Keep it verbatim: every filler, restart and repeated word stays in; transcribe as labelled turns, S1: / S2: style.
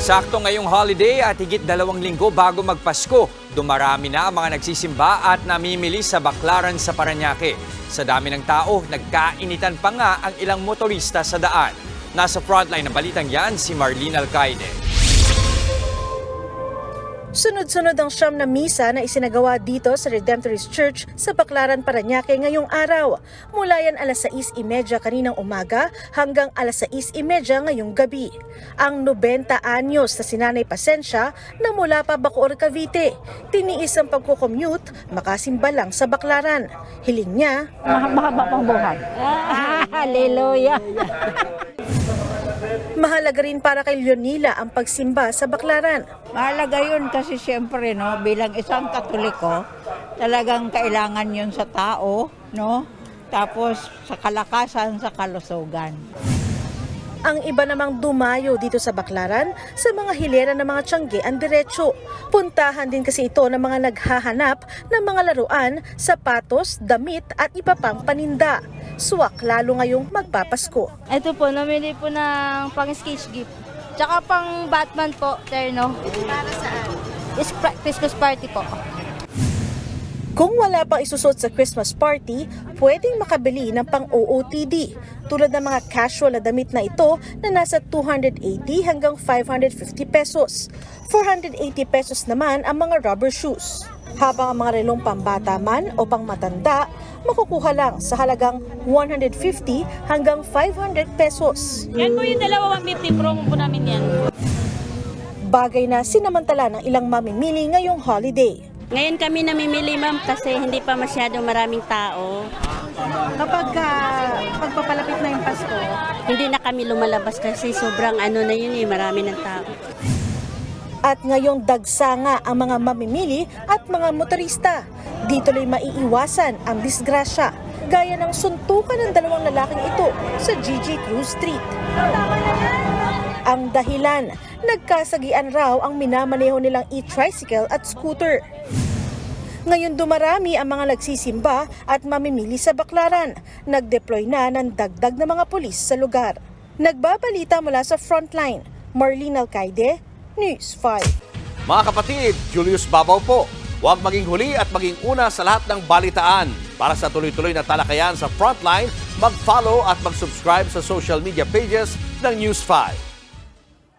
S1: Sakto ngayong holiday at higit dalawang linggo bago magpasko, dumarami na ang mga nagsisimba at namimili sa Baclaran sa Parañaque. Sa dami ng tao, nagkainitan pa nga ang ilang motorista sa daan. Nasa frontline ng balitang yan si Marlene Alcaide.
S2: Sunod-sunod ang siyam na misa na isinagawa dito sa Redemptorist Church sa Baclaran, Parañaque ngayong araw. Mula yan alas sais trenta kaninang umaga hanggang alas sais trenta ngayong gabi. Ang ninety anyos na si Nanay Pasensya na mula pa Bacoor, Cavite, tiniis ang pagkukommute, makasimba lang sa Baclaran. Hiling niya,
S3: Mahaba pang buhay. Hallelujah.
S2: mahalaga rin para kay Leonila ang pagsimba sa Baclaran.
S3: Mahalaga yun kasi siyempre, no, bilang isang Katoliko, talagang kailangan yun sa tao, no? Tapos sa kalakasan, sa kalusugan.
S2: Ang iba namang dumayo dito sa Baclaran sa mga hilera ng mga tiyangge ang diretso. Puntahan din kasi ito ng mga naghahanap ng mga laruan, sapatos, damit at iba pang paninda. Suwak lalo ngayong magpapasko.
S4: Ito po, namili po ng pang-sketch gift. Tsaka pang Batman po, terno. Para saan? Is Christmas party po.
S2: Kung wala pang isusot sa Christmas party, pwedeng makabili ng pang-O O T D. Tulad ng mga casual na damit na ito na nasa two hundred eighty hanggang five hundred fifty pesos. four hundred eighty pesos naman ang mga rubber shoes. Habang ang mga relong pambata man o pangmatanda, makukuha lang sa halagang one hundred fifty hanggang five hundred pesos.
S5: Yan po yung dalawa one fifty, promo po namin yan.
S2: Bagay na sinamantala ng ilang mamimili ngayong holiday.
S5: Ngayon kami namimili ma'am kasi hindi pa masyadong maraming tao.
S2: Kapag uh, pagpapalapit na yung Pasko,
S5: Hindi na kami lumalabas kasi sobrang ano na yun eh, marami ng tao.
S2: at ngayong dagsa nga ang mga mamimili at mga motorista. Dito ay maiiwasan ang disgrasya, gaya ng suntukan ng dalawang lalaking ito sa G G Cruz Street. Ang dahilan, nagkasagian raw ang minamaneho nilang e-tricycle at scooter. Ngayon dumarami ang mga nagsisimba at mamimili sa Baclaran. Nag-deploy na ng dagdag na mga pulis sa lugar. Nagbabalita mula sa Frontline, Marlene Alcaide, News five.
S6: Mga kapatid, Julius Babaw po. Huwag maging huli at maging una sa lahat ng balitaan. Para sa tuloy-tuloy na talakayan sa Frontline, mag-follow at mag-subscribe sa social media pages ng News five.